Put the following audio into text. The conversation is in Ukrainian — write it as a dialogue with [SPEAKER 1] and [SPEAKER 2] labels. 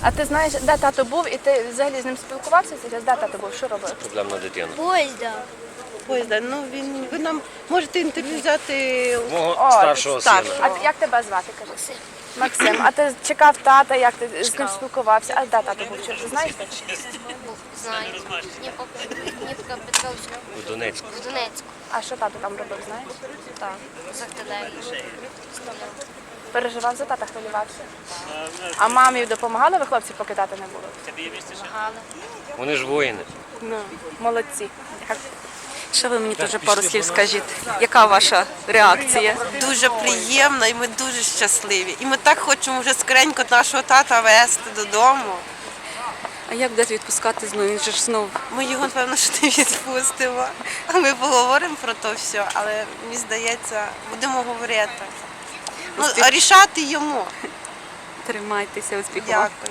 [SPEAKER 1] А ти знаєш, де тато був, і ти взагалі з ним спілкувався зараз? Де тато був? Що робив?
[SPEAKER 2] Проблемна дитина.
[SPEAKER 3] Поїзда. Ну ви нам можете інтерв'ю взяти
[SPEAKER 2] Мого старшого сина.
[SPEAKER 1] А як тебе звати, кажи? Максим. А ти чекав тата, як ти з ним спілкувався? А де тато був? Чи ти знаєш?
[SPEAKER 4] Знаю. Дніпка Петровська
[SPEAKER 2] У Донецьку.
[SPEAKER 4] в Донецьку.
[SPEAKER 1] А що тато там робив, знаєш?
[SPEAKER 4] Так, з артилерії.
[SPEAKER 1] Переживав за тата, хвилювався. А мамі допомагали ви хлопці, поки тата не було?
[SPEAKER 4] Помагали.
[SPEAKER 2] Вони ж воїни.
[SPEAKER 1] Ну, молодці.
[SPEAKER 5] Що ви мені теж пару слів скажіть? Яка ваша реакція?
[SPEAKER 3] дуже приємно і ми дуже щасливі. І ми так хочемо вже скоренько нашого тата везти додому.
[SPEAKER 5] А як будете відпускати знову? Він же ж знов.
[SPEAKER 3] Ми його, напевно, що не відпустимо. Ми поговоримо про то все, але мені здається, будемо говорити. Ну, а рішати йому.
[SPEAKER 5] Тримайтеся, успіху.
[SPEAKER 3] Дякую.